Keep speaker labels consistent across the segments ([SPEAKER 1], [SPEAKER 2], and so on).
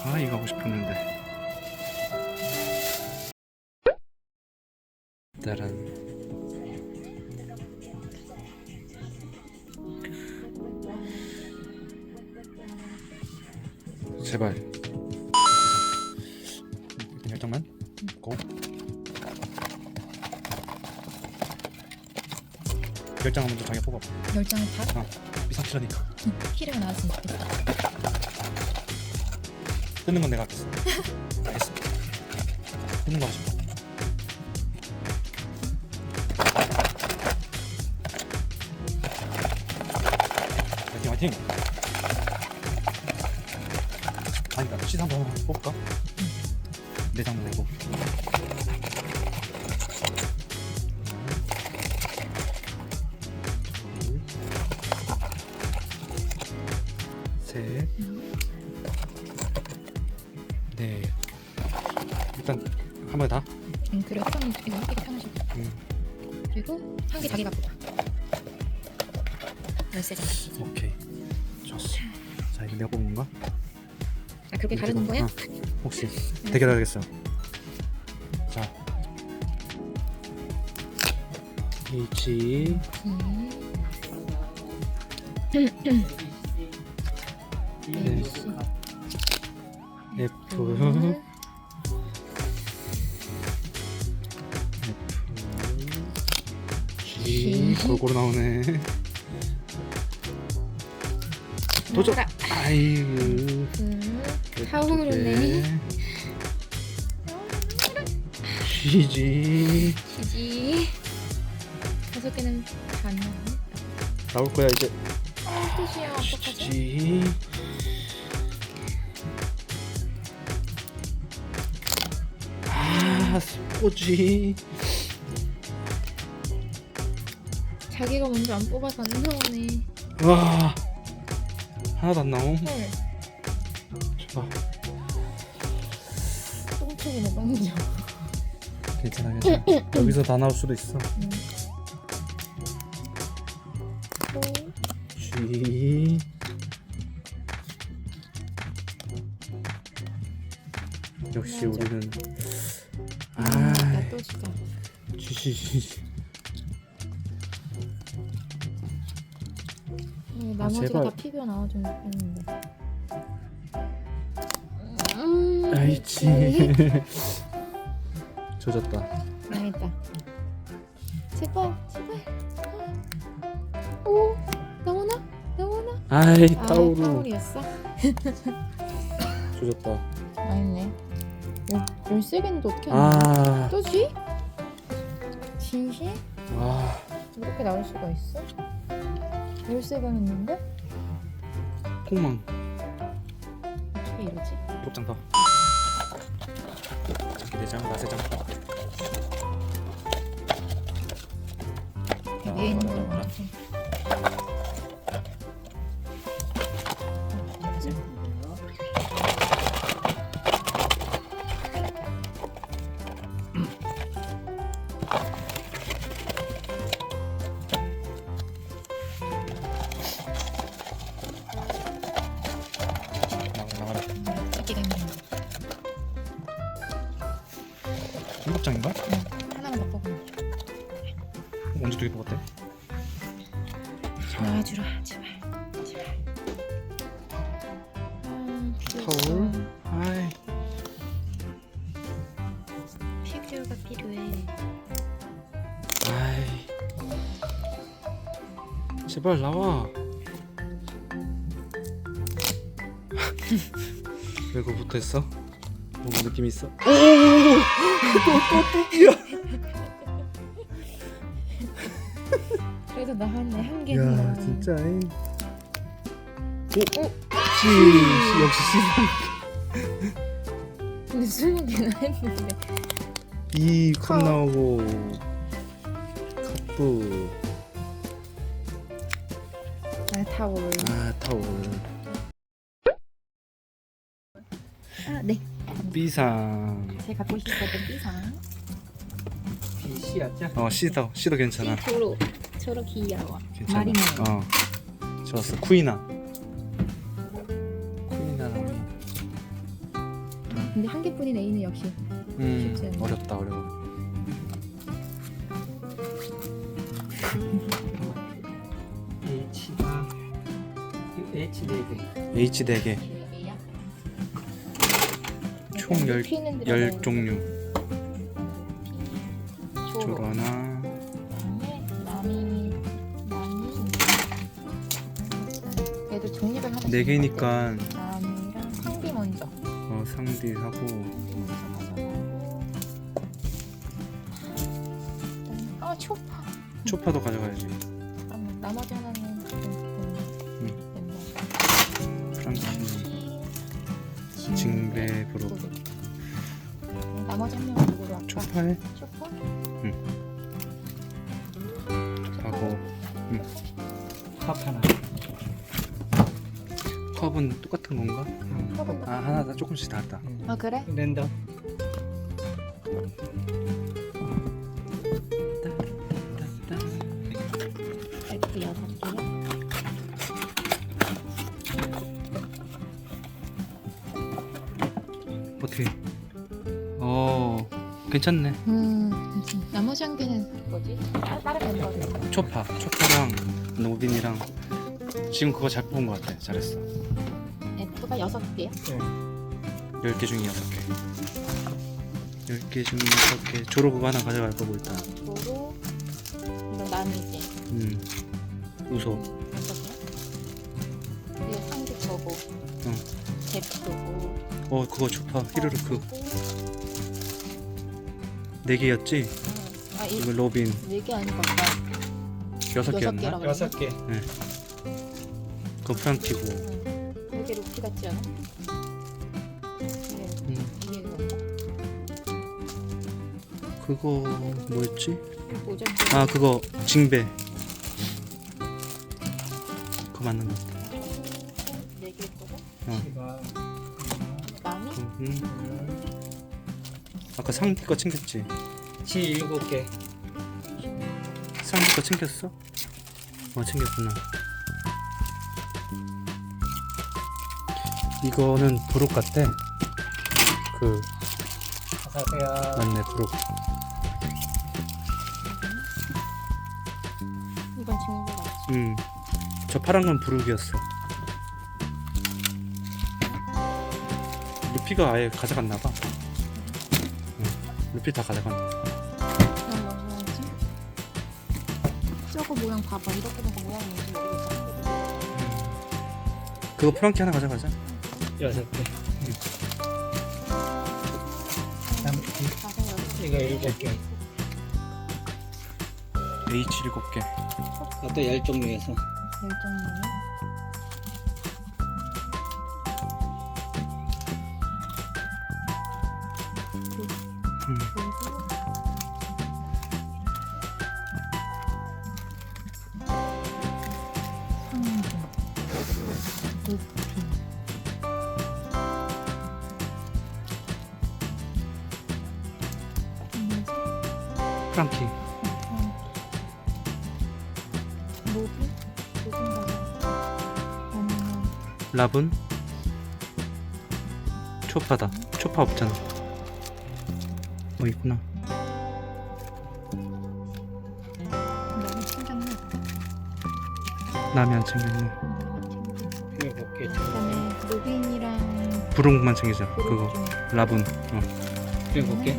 [SPEAKER 1] 아, 이거 하고 싶었는데. 따란. 제발. 열장만. 고. 열장 먼저 자기가 뽑아.
[SPEAKER 2] 10장을 다?
[SPEAKER 1] 비상키라니까.
[SPEAKER 2] 키를 나왔으면 좋겠다.
[SPEAKER 1] 뜯는 건 내가 하겠어. 알겠어. 뜯는 거 하지. 화이팅 화이팅. 아니다. 시사 한번 뽑을까? 내 장면 내고. 셋. 네. 일단 한 번에 다.
[SPEAKER 2] 그리고 이거 한 개가 편하시고. 그리고 한 개 자기가 뽑아. 13장.
[SPEAKER 1] 오케이. 좋았어. 자, 이거 내가 뽑은 건가?
[SPEAKER 2] 아, 그렇게 가르는 거야?
[SPEAKER 1] 혹시 대결하겠어. 자, H, 네. F, G, 골고루 나오네. 도전. 아이고.
[SPEAKER 2] 타오르네.
[SPEAKER 1] GG.
[SPEAKER 2] 지지. 5개는 반 나오네.
[SPEAKER 1] 나올 거야 이제.
[SPEAKER 2] 뜻이야. 어떡하지?
[SPEAKER 1] GG. 아, 스포지.
[SPEAKER 2] 자기가 먼저 안 뽑아서 안 나오네.
[SPEAKER 1] 와, 하나도 안 나옴.
[SPEAKER 2] 헐.
[SPEAKER 1] 봐.
[SPEAKER 2] 똥촉이네 똥촉.
[SPEAKER 1] 괜찮아, 괜찮아. 여기서 다 나올 수도 있어. G. 역시
[SPEAKER 2] 맞아.
[SPEAKER 1] 우리는
[SPEAKER 2] 나또 진짜.
[SPEAKER 1] G.
[SPEAKER 2] 나머지가
[SPEAKER 1] 제발.
[SPEAKER 2] 다 피규어 나와주면 좋겠는데.
[SPEAKER 1] 아이치. 조졌다.
[SPEAKER 2] 망했다. 제발 제발. 오 나오나? 나오나?
[SPEAKER 1] 아이,
[SPEAKER 2] 아,
[SPEAKER 1] 타오루.
[SPEAKER 2] 타오르였어?
[SPEAKER 1] 조졌다.
[SPEAKER 2] 망했네. 13개인데 어떻게 하냐?
[SPEAKER 1] 아,
[SPEAKER 2] 또지? 진심?
[SPEAKER 1] 와.
[SPEAKER 2] 이렇게 나올 수가 있어? 13개 했는데?
[SPEAKER 1] 폭망.
[SPEAKER 2] 어떻게 이러지?
[SPEAKER 1] 곱장 더. 자기 내장, 나세장.
[SPEAKER 2] 위에 있는 거 같아.
[SPEAKER 1] 나가라.
[SPEAKER 2] 찍기가 힘들어.
[SPEAKER 1] 7장인가?
[SPEAKER 2] 하나만 더 뽑으면.
[SPEAKER 1] 언제 2개 뽑았대?
[SPEAKER 2] 나와주라 제발 제발.
[SPEAKER 1] 타올. 아이.
[SPEAKER 2] 피규어가 필요해.
[SPEAKER 1] 아이. 제발 나와. 왜 그거 붙어있어? 뭔가 느낌이 있어?
[SPEAKER 2] 그래도 나왔네 한 개는.
[SPEAKER 1] 야, 진짜. 오,
[SPEAKER 2] 오!
[SPEAKER 1] C. 역시
[SPEAKER 2] 근데 20개나 했는데.
[SPEAKER 1] C. 이 컵 나오고 컵부.
[SPEAKER 2] 아 타올.
[SPEAKER 1] 아, 타올.
[SPEAKER 2] 아 네.
[SPEAKER 1] B상.
[SPEAKER 2] 제가 갖고 싶었던 B상.
[SPEAKER 1] 어, C도 괜찮아.
[SPEAKER 2] 저로 귀여워.
[SPEAKER 1] 괜찮아.
[SPEAKER 2] 마리모.
[SPEAKER 1] 어, 좋았어. 쿠이나랑
[SPEAKER 2] 근데 한 개뿐인 A는 역시 쉽지 않네.
[SPEAKER 1] 어렵다 어려워.
[SPEAKER 3] H가 H 4개.
[SPEAKER 1] H 4개.
[SPEAKER 2] A야?
[SPEAKER 1] 총
[SPEAKER 2] P는 들어가야
[SPEAKER 1] 10종류.
[SPEAKER 2] 조로.
[SPEAKER 1] 조로나
[SPEAKER 2] 그다음에 남이 얘도 종류별 하나씩
[SPEAKER 1] 4개니까
[SPEAKER 2] 남이랑 상비 먼저
[SPEAKER 1] 상디 하고
[SPEAKER 2] 초파.
[SPEAKER 1] 초파도 가져가야지.
[SPEAKER 2] 잠깐만, 나머지 하나는
[SPEAKER 1] 프랑키, 징베, 브로.
[SPEAKER 2] 나머지 한 명은 누구로 할까?
[SPEAKER 1] 초파해?
[SPEAKER 2] 초파?
[SPEAKER 1] 하고
[SPEAKER 3] 컵 하나.
[SPEAKER 1] 컵은 똑같은 건가?
[SPEAKER 2] 컵은
[SPEAKER 1] 아 하나 다 조금씩 다르다.
[SPEAKER 2] 아 그래?
[SPEAKER 3] 랜덤.
[SPEAKER 2] F 6개요?
[SPEAKER 1] 어떻게? 괜찮네.
[SPEAKER 2] 나머지 한 개는 뭐지? 다른 멤버들.
[SPEAKER 1] 초파랑 노빈이랑 지금 그거 잘 뽑은 것 같아. 잘했어.
[SPEAKER 2] F가 6개요?
[SPEAKER 1] 10개 중에 6개. 10개 중에 6개. 조로 그거 하나 가져갈 거고 일단.
[SPEAKER 2] 도로 이거 남이지?
[SPEAKER 1] 우소.
[SPEAKER 2] 6개요? 이거 상비 거고 제프고
[SPEAKER 1] 그거 초파. 히르르크 4개였지?
[SPEAKER 2] 아
[SPEAKER 1] 이거 로빈
[SPEAKER 2] 4개 아닌 것 같다
[SPEAKER 1] 6개였나?
[SPEAKER 2] 6개라고
[SPEAKER 3] 6개.
[SPEAKER 1] 그거 프랑키고.
[SPEAKER 2] 이게 루피 같지 않아? 이게
[SPEAKER 1] 그거 뭐였지?
[SPEAKER 2] 오전
[SPEAKER 1] 아 그거 징베. 그거 맞는 것 같아.
[SPEAKER 2] 4개 있거든?
[SPEAKER 3] T가
[SPEAKER 2] 남이?
[SPEAKER 1] 아까 상디 거 챙겼지?
[SPEAKER 3] T 7개.
[SPEAKER 1] 상디 거 챙겼어? 챙겼구나. 이거는 브룩 같대.
[SPEAKER 3] 어서오세요.
[SPEAKER 1] 맞네 브룩.
[SPEAKER 2] 이건 친구 같지?
[SPEAKER 1] 저 파란 건 브룩이었어. 루피가 아예 가져갔나봐. 루피 다 가져갔네.
[SPEAKER 2] 그럼 뭐 해야지? 저거 모양 봐봐 이렇게 된 거 모양이 뭔지 모르겠어
[SPEAKER 1] 그거 프랑키 하나 가져가자.
[SPEAKER 3] 6개. 이거 7개.
[SPEAKER 1] H 7개.
[SPEAKER 3] 그것도 10종류에서.
[SPEAKER 2] 열정이네
[SPEAKER 1] 프랑키. 랍은 초파다. 초파 없잖아. 있구나. 남이 안 챙겼네.
[SPEAKER 3] 7개.
[SPEAKER 2] 그다음에 로빈이랑
[SPEAKER 1] 브룩만 챙기자. 그거
[SPEAKER 2] 좀
[SPEAKER 1] 랍은
[SPEAKER 3] 7개.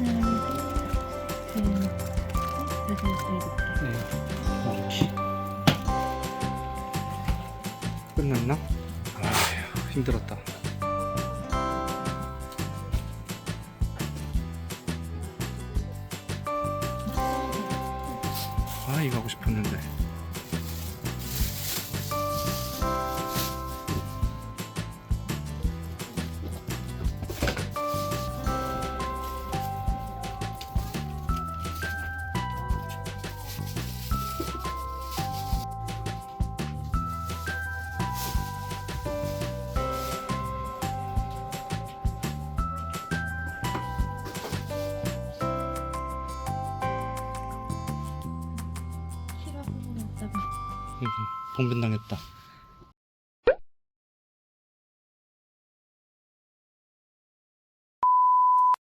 [SPEAKER 3] 네.
[SPEAKER 1] 끝났나? 힘들었다. 이거 하고 싶었는데. 봉변당했다.